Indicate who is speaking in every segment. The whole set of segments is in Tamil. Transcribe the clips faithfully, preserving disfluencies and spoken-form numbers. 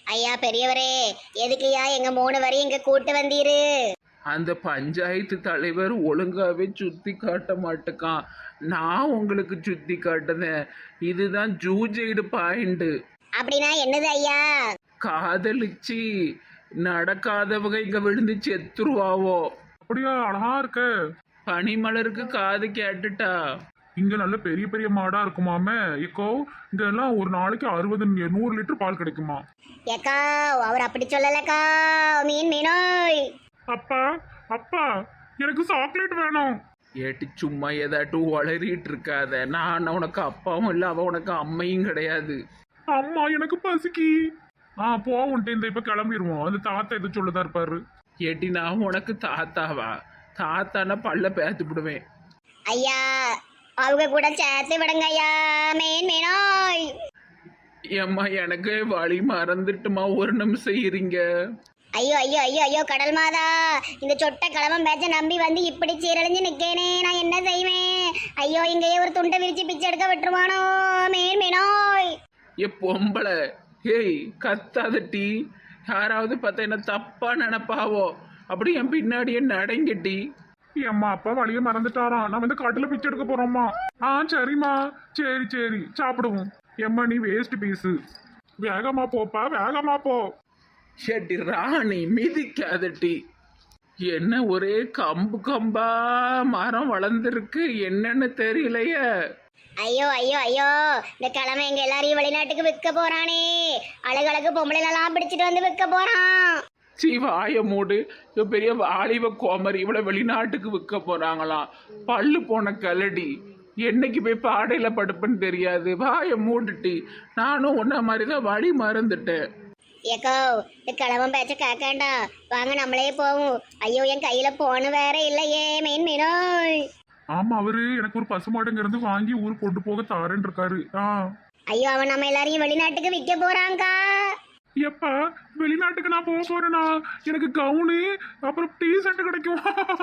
Speaker 1: ஐயா பெரியவரே, எதுக்குயா எங்க மூணு வரையும் இங்க கூட்டு வந்தீரு?
Speaker 2: அந்த பஞ்சாயத்து தலைவர் ஒழுங்காவே சுத்தி காட்ட மாட்டுக்கான். நான் உங்களுக்கு சுத்தி காட்டுதேன். இதுதான் ஜூஜைடு பாயிண்ட்.
Speaker 1: அப்படின்னா என்னது ஐயா?
Speaker 2: காதலிச்சு நடக்காதவங்க இங்க விழுந்து செத்துருவாவோ.
Speaker 3: அப்படியா? அழகா இருக்க.
Speaker 2: பனிமலருக்கு காது கேட்டுட்டா.
Speaker 3: இங்க நல்ல பெரிய பெரிய மாடா இருக்குமாமே. இப்போ இங்க எல்லாம் ஒரு நாளைக்கு அறுபது நூறு லிட்டர் பால் கிடைக்குமா?
Speaker 1: ஏக்கா, அவர் அப்படி சொல்லலக்கா. மீன் மீனோய்.
Speaker 3: அப்பா அப்பா, எனக்கு சாக்லேட் வேணும்.
Speaker 2: ஏட்டி சும்மா ஏதாட்டும் வளரிட்டு இருக்காத. நான் உனக்கு அப்பாவும் இல்லை, அவ உனக்கு அம்மையும் கிடையாது.
Speaker 3: அம்மா எனக்கு பசிக்கி. ஆ போவோம், இந்த இப்ப கிளம்பிடுவோம். அந்த தாத்தா எது சொல்லதா இருப்பாரு.
Speaker 2: ஏட்டி நான் உனக்கு தாத்தாவா? தாத்தானா பல்ல பேத்து விடுவேன்.
Speaker 1: ஐயா, அவங்க கூட சேர்த்து விடுங்க ஐயா. மீன் மீனோய்.
Speaker 2: ஏம்மா எனக்கு வழி மறந்துட்டுமா, ஒரு நிமிஷம் இருங்க.
Speaker 1: ஐயோ ஐயோ ஐயோ ஐயோ கடல் மாதா, இந்த சொட்ட கிழமம் பேச்ச நம்பி வந்து இப்படி சீரழிஞ்சு நிக்கேனே, நான் என்ன செய்வேன்? ஐயோ, இங்கேயே ஒரு துண்டை விரிச்சு பிச்சை எடுக்க விட்டுருவானோ? மீன் மீனோய்.
Speaker 2: ஏ பொம்பளை, ஏய் கத்தாதட்டி. யாராவது பார்த்தா என்ன தப்பா நினைப்பாவோ. அப்படி என் பின்னாடியே நடங்கட்டி.
Speaker 3: அம்மா அப்பா வழிய மறந்துட்டாராம். நான் வந்து காட்டுல பிச்சை எடுக்க போறோம்மா. ஆ சரிம்மா, சரி சரி சாப்பிடுவோம். எம்மா நீ வேஸ்ட் பீஸு. வேகமா போப்பா, வேகமா போ.
Speaker 2: ஷெட்டி ராணி மிதிக்காதட்டி. என்ன ஒரே கம்பு கம்பா மரம் வளர்ந்துருக்கு, என்னன்னு தெரியலையே.
Speaker 1: ஐயோ ஐயோ ஐயோ, இந்த கிழமை எங்க எல்லாரையும் வெளிநாட்டுக்கு விற்க போறானே. அழகழகு பொம்பளைலாம் பிடிச்சிட்டு வந்து விற்க போறான்.
Speaker 2: சீ வாய மூடு. இவ பெரிய வாலிப கோமரி, இவளை வெளிநாட்டுக்கு விற்க போறாங்களாம். பல்லு போன கலடி. என்னைக்கு போய் பாடையில படுப்புன்னு தெரியாது. வாய மூடுட்டி. நானும் உன்ன மாதிரிதான் வழி மறந்துட்டேன்.
Speaker 1: ஏக்கோ, இந்த கிழமை பேச்ச கேட்காண்டா. வாங்க நம்மளே போவோம். ஐயோ, என் கையில போன வேற இல்லையே. மீன் மீனோய்.
Speaker 3: ஆமா, அவரு எனக்கு ஒரு பசுமாடுங்க இருந்து வாங்கி ஊருக்கு கொண்டு போக தாரேன்னு இருக்காரு. ஆ
Speaker 1: ஐயோ, அவன் நம்ம எல்லாரையும் வெளிநாட்டுக்கு விற்க போறாங்கா.
Speaker 3: எப்ப வெளிநாட்டுக்கு நான் போக போறேனா? எனக்கு கவுனு அப்புறம் டீ ஷர்ட் கிடைக்கும்.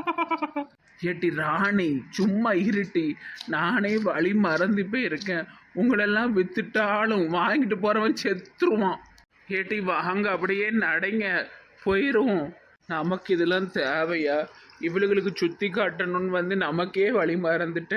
Speaker 2: ஏட்டி ராணி சும்மா இருட்டி. நானே வழி மறந்து போய் இருக்கேன். உங்களெல்லாம் வித்துட்டாலும் வாங்கிட்டு போறவன் செத்துருவான். ஏட்டி வாங்க, அப்படியே நடைங்க, போயிடுவோம். நமக்கு இதெல்லாம் தேவையா? இவளுகளுக்கு சுத்தி காட்டணும்னு வந்து நமக்கே வழி மறந்துட்ட.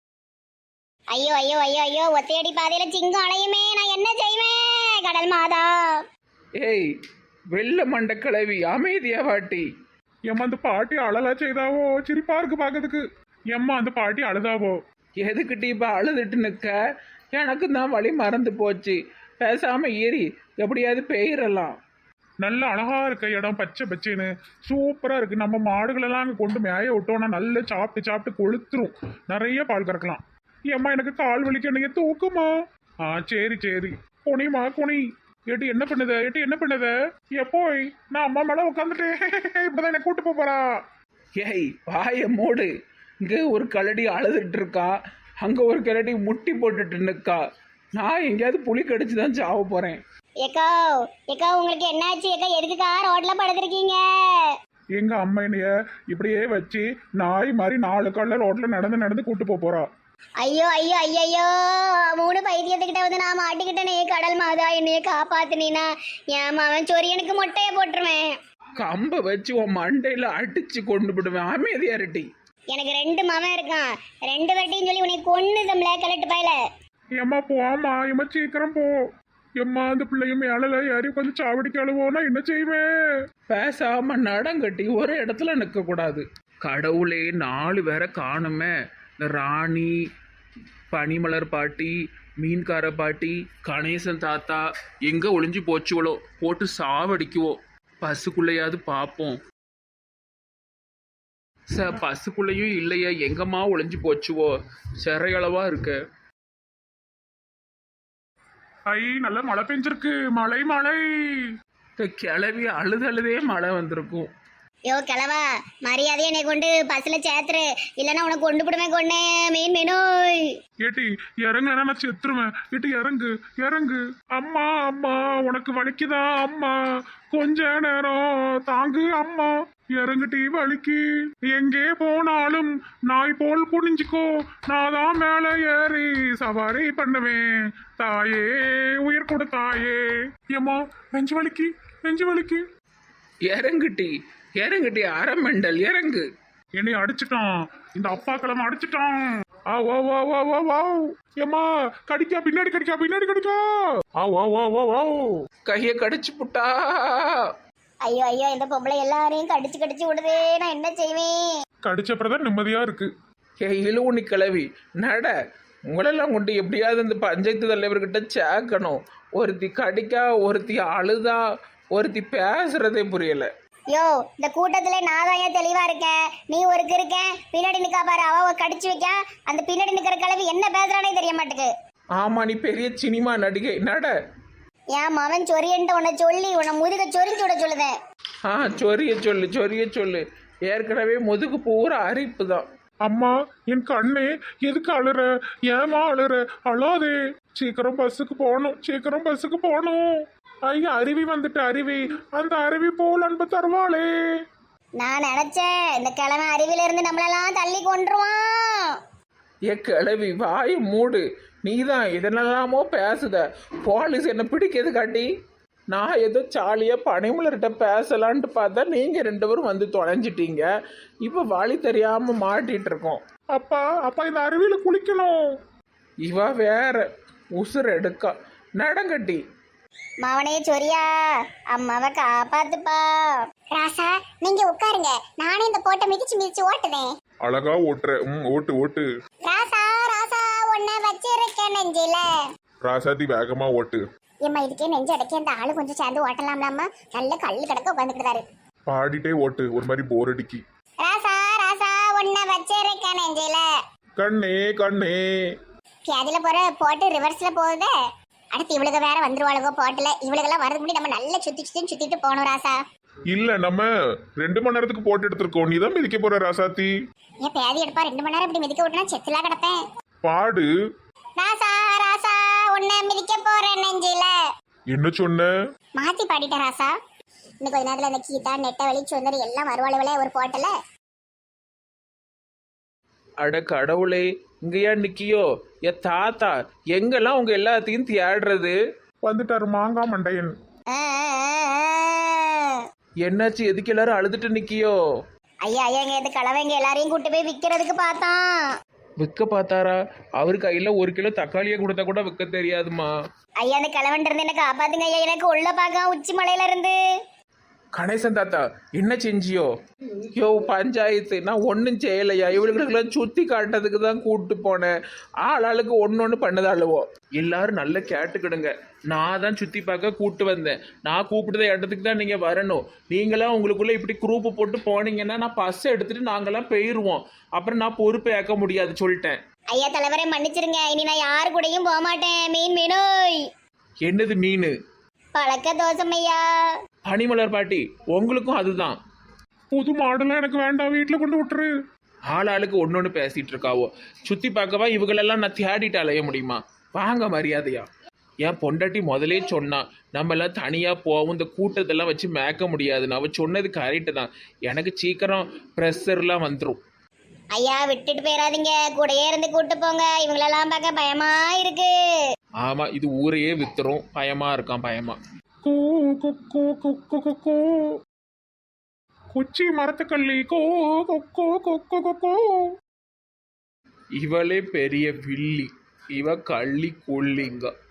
Speaker 1: ஐயோ ஐயோ ஐயோ ஐயோ, ஒத்தையடி பாதையில சிங்கம் அலையுமே, நான் என்ன செய்வேன்? கடல் மாதா.
Speaker 2: ஏய் வெள்ள மண்ட கிளவி, அமைதியா வாட்டி.
Speaker 3: எம்மா அந்த பாட்டி அழலா செய்தாவோ, சிரிப்பா இருக்கு பாக்கிறதுக்கு. எம்மா அந்த பாட்டி அழுதாவோ.
Speaker 2: எதுக்கிட்ட இப்ப அழுதுட்டு நிற்க? எனக்கு தான் வழி மறந்து போச்சு. பேசாம ஏறி எப்படியாவது பெயரலாம்.
Speaker 3: நல்ல அழகா இருக்க இடம், பச்சை பச்சைன்னு சூப்பரா இருக்கு. நம்ம மாடுகளெல்லாம் அங்கே கொண்டு மேய விட்டோம்னா நல்லா சாப்பிட்டு சாப்பிட்டு கொளுத்துரும். நிறைய பால் கறக்கலாம். ஏம்மா எனக்கு கால் வலிக்க, நீங்க தூக்குமா? ஆ சரி சரி, குனிமா குனி. ஏட்டி என்ன பண்ணுத? ஏட்டி என்ன பண்ணுத? எப்போய் நான் அம்மா மேல உட்காந்துட்டேன். இப்பதான் என்ன கூட்டு போறா.
Speaker 2: ஏய் வாய மூடு. இங்க ஒரு கலடி அழுதுட்டு இருக்கா, அங்க ஒரு கலடி முட்டி போட்டுட்டு நிற்கா. நான் எங்கேயாவது புளி கடிச்சு தான் சாவ போறேன்.
Speaker 1: ஏக்கோ ஏக்கோ, உங்களுக்கு என்னாச்சு? ஏக்கா எதுக்குக்கா ரோட்ல படுத்திருக்கீங்க?
Speaker 3: எங்க அம்மா என்னைய இப்படியே வச்சு நாய் மாதிரி நாலு காலில் ரோட்ல நடந்து நடந்து கூட்டு போக போறா.
Speaker 1: ஐயோ ஐயோ ஐயோ, மூணு பைத்தியத்துக்கிட்ட வந்து நான் மாட்டிக்கிட்டேனே. கடல் மாதா, என்னைய காப்பாத்துனீனா என் அவன் சொரியனுக்கு மொட்டைய போட்டுருவேன்.
Speaker 2: கம்ப வச்சு உன் மண்டையில அடிச்சு கொண்டு விடுவேன். அமைதியா இருட்டி.
Speaker 1: எனக்கு ரெண்டு மவன் இருக்கான். ரெண்டு வட்டின்னு சொல்லி உனக்கு கொன்னு தம்ல கலட்டு பாயல.
Speaker 3: எம்மா போமா, எம்மா சீக்கிரம் போ. எம்மா அந்த பிள்ளையும் மேல யாரையும் கொஞ்சம் சாவடிக்க அழுவோனா என்ன செய்வேன்?
Speaker 2: பேசாம நடங்கட்டி ஒரு இடத்துல நிற்க கூடாது. கடவுளே, நாலு பேரை காணுமே. இந்த ராணி, பனிமலர் பாட்டி, மீன்கார பாட்டி, கணேசன் தாத்தா எங்க ஒளிஞ்சு போச்சுவளோ? போட்டு சாவடிக்குவோ. பசுக்குள்ளையாவது பார்ப்போம். சார் பசுக்குள்ளையும் இல்லையா? எங்கம்மா ஒளிஞ்சு போச்சுவோ? சிறையளவா இருக்க.
Speaker 3: ஐ நல்ல மழை பெஞ்சிருக்கு. மழை மழை.
Speaker 2: இந்த கிளவி அழுது அழுதே மழை வந்திருக்கும்.
Speaker 1: யோ கிழவா, மரியாதையை என்னை கொண்டு பஸ்ல சேர்த்துரு, இல்லைன்னா உனக்கு கொண்டு போடுமே கொண்டு. மீன் மீனோய்.
Speaker 3: ஏட்டி இறங்குனா நான் செத்துருவேன். ஏட்டி இறங்கு இறங்கு. அம்மா அம்மா உனக்கு வலிக்குதா? அம்மா கொஞ்ச நேரம் தாங்கு. அம்மா இறங்குட்டி வலிக்கு. எங்கே போனாலும் நாய் போல் குனிஞ்சுக்கோ, நான் தான் மேல ஏறி சவாரி பண்ணுவேன். தாயே உயிர் கொடு தாயே. ஏம்மா நெஞ்சு வலிக்கு, நெஞ்சு வலிக்கு.
Speaker 2: இறங்குட்டி இறங்குட்டி அரமெண்டல் இறங்கு.
Speaker 3: என்னை அடிச்சிட்டான், இந்த அப்பா கிழமை அடிச்சிட்டான். ஆ வா வா வா வா வா. ஏம்மா கடிக்கா, பின்னாடி கடிக்கா, பின்னாடி கடிக்கா. ஆ வா வா வா வா.
Speaker 2: கையை கடிச்சு புட்டா.
Speaker 1: ஐயோ ஐயோ இந்த பொம்பளை எல்லாரையும் கடிச்சு கடிச்சு விடுதே, நான் என்ன செய்வேன்?
Speaker 3: கடிச்சப்பறதான் நிம்மதியா இருக்கு.
Speaker 2: ஏ இழுவுனி கிளவி நட. உங்களெல்லாம் கொண்டு எப்படியாவது இந்த பஞ்சாயத்து தலைவர்கிட்ட சேர்க்கணும். ஒருத்தி கடிக்கா, ஒருத்தி அழுதா, ஒருத்தி பேசுறதே புரியல.
Speaker 1: யோ இந்த கூட்டத்துல நான் தான் ஏன் தெளிவா இருக்கேன், நீ ஒரு இருக்க பின்னாடி நிக்கா பாரு, அவ ஒரு கடிச்சு வைக்க. அந்த பின்னாடி நிக்கிற கிழவி என்ன பேசுறானே தெரிய மாட்டேக்கு.
Speaker 2: ஆமா நீ பெரிய சினிமா நடிகை நட.
Speaker 1: என் மவன் சொரியன்ட்டு உன்னை சொல்லி உன்னை முதுக சொரிஞ்சு விட சொல்லுதேன்.
Speaker 2: ஆ சொரிய சொல்லு சொரிய சொல்லு. ஏற்கனவே முதுகு பூரா அரிப்பு தான்.
Speaker 3: அம்மா என் கண்ணே எதுக்கு அழுற, ஏமா அழுற? அழாதே, சீக்கிரம் பஸ்ஸுக்கு போகணும், சீக்கிரம் பஸ்ஸுக்கு போகணும். ஐயா அருவி வந்துட்டு, அருவி, அந்த அருவி போல் அன்பு தருவாளே.
Speaker 1: நான் நினைச்சேன் இந்த கிழமை அருவில இருந்து நம்மளெல்லாம் தள்ளி கொண்டுருவான்.
Speaker 2: ஏ கிளவி வாய் மூடு. நீதான் இதனெல்லாமோ பேசுத. போலீஸ் என்ன பிடிக்கிறது காட்டி நான் ஏதோ சாலியாக பனிமலர்கிட்ட பேசலான்ட்டு பார்த்தா நீங்கள் ரெண்டு பேரும் வந்து தொலைஞ்சிட்டீங்க. இப்போ வழி தெரியாமல் மாட்டிகிட்டு இருக்கோம்.
Speaker 3: அப்பா அப்பா இந்த அருவியில குளிக்கணும்.
Speaker 2: இவ வேற உசுர் எடுக்கா. நடங்கட்டி
Speaker 1: மவனே சொரியா, அம்மாவை காப்பாத்துப்பா. ராசா நீங்க உட்காருங்க, நானே இந்த போட்டை மிதிச்சு மிதிச்சு ஓட்டுவேன்.
Speaker 3: அழகா ஓட்டுற. ம் ஓட்டு ஓட்டு.
Speaker 1: ராசா ராசா உன்னை வச்சிருக்கேன் நெஞ்சில.
Speaker 3: ராசாதி வேகமா ஓட்டு.
Speaker 1: ஏம்மா இதுக்கே நெஞ்சு அடைக்க இந்த ஆளு கொஞ்சம் சேர்ந்து ஓட்டலாம்லாமா? நல்ல கல்லு கிடக்க உட்காந்துக்கிட்டாரு.
Speaker 3: பாடிட்டே ஓட்டு, ஒரு மாதிரி போர் அடிக்கி.
Speaker 1: ராசா ராசா உன்னை வச்சிருக்கேன் நெஞ்சில.
Speaker 3: கண்ணே கண்ணே.
Speaker 1: பியாதில போற போட்டு ரிவர்ஸ்ல போகுதே. அடுத்து இவளுக்கு வேற வந்துருவாளுகோ போட்டுல. இவளுக்கெல்லாம் வரதுக்கு முன்னாடி நம்ம நல்லா சுத்தி சுத்தி சுத்திட்டு போகணும் ராசா.
Speaker 3: இல்ல நம்ம ரெண்டு மணி நேரத்துக்கு போட்டு எடுத்திருக்கோம், நீ தான் மிதிக்க போற ராசாத்தி.
Speaker 1: ஏன் பேதி எடுப்பா, ரெண்டு மணி நேரம் இப்படி மிதிக்க விட்டுனா செத்துலா கிடப்பேன்.
Speaker 3: பாடு.
Speaker 1: ராசா ராசா உன்னை மிதிக்க போறேன் நெஞ்சில.
Speaker 3: என்ன சொன்ன?
Speaker 1: மாத்தி பாடிட்ட ராசா. இன்னும் கொஞ்ச நேரத்துல இந்த கீதா நெட்ட வலி சுந்தரி எல்லாம் வருவாளுகளே ஒரு போட்டல.
Speaker 2: அட கடவுளே, இங்கேயா நிக்கியோ? ஏ தாத்தா எங்கெல்லாம் உங்க எல்லாத்தையும் தேடுறது?
Speaker 3: வந்துட்டாரு மாங்கா மண்டையன்.
Speaker 2: என்னாச்சு? எதுக்கு எல்லாரும் அழுதுட்டு நிக்கியோ?
Speaker 1: ஐயா ஐயா இங்க இந்த கலவைங்க எல்லாரையும் கூட்டு போய் விக்கிறதுக்கு பார்த்தான்.
Speaker 2: விற்க பார்த்தாரா? அவரு கையில ஒரு கிலோ தக்காளியை கொடுத்தா கூட விற்க தெரியாதுமா.
Speaker 1: ஐயா அந்த கிழவன் இருந்து என்ன காப்பாத்துங்க ஐயா, எனக்கு உள்ள பாக்க உச்சி மலையில இருந்து.
Speaker 2: கணேசன் தாத்தா என்ன செஞ்சியோ? யோ பஞ்சாயத்து நான் ஒன்றும் செய்யலையா. இவளுக்கெல்லாம் சுற்றி காட்டுறதுக்கு தான் கூப்பிட்டு போனேன். ஆள் ஆளுக்கு ஒன்று ஒன்று பண்ணதாளுவோ. எல்லாரும் நல்லா கேட்டுக்கிடுங்க. நான் தான் சுற்றி பார்க்க கூப்பிட்டு வந்தேன். நான் கூப்பிட்டத இடத்துக்கு தான் நீங்கள் வரணும். நீங்களாம் உங்களுக்குள்ளே இப்படி குரூப்பு போட்டு போனீங்கன்னா நான் பஸ்ஸை எடுத்துகிட்டு நாங்களாம் போயிடுவோம். அப்புறம் நான் பொறுப்பை ஏற்க முடியாது சொல்லிட்டேன்.
Speaker 1: ஐயா தலைவரை மன்னிச்சிருங்க, இனி நான் யாரு கூடயும் போக மாட்டேன். மீன் மீனோய்.
Speaker 2: என்னது மீன்?
Speaker 1: பழக்க தோசம் ஐயா.
Speaker 2: பனிமலர் பாட்டி உங்களுக்கும் அதுதான்.
Speaker 3: புது மாடெல்லாம் எனக்கு வேண்டாம், வீட்டுல கொண்டு விட்டுரு.
Speaker 2: ஆள் ஆளுக்கு ஒன்று ஒன்று பேசிகிட்டு இருக்காவோ. சுற்றி பார்க்கவா இவங்களெல்லாம் நான் தேடிட்டு அலைய முடியுமா? வாங்க மரியாதையா. என் பொண்டாட்டி முதலே சொன்னா நம்மளாம் தனியாக போவோம், இந்த கூட்டத்தெல்லாம் வச்சு மேய்க்க முடியாதுன்னு. அவள் சொன்னது கரெக்டு தான். எனக்கு சீக்கிரம் ப்ரெஷர்லாம் வந்துடும்.
Speaker 1: ஐயா விட்டுட்டு போயிடாதீங்க, கூடயே இருந்து கூட்டு போங்க. இவங்களெல்லாம் பார்க்க பயமா இருக்கு.
Speaker 2: ஆமாம் இது ஊரையே வித்துரும். பயமாக இருக்கான் பயமா.
Speaker 3: கூ கொக்கோ கொக்கோ கொக்கோ குச்சி மரத்துக்கள்ளி கோ கொக்கோ கொக்கோ கொக்கோ.
Speaker 2: இவளே பெரிய வில்லி, இவ கள்ளி கொல்லிங்க.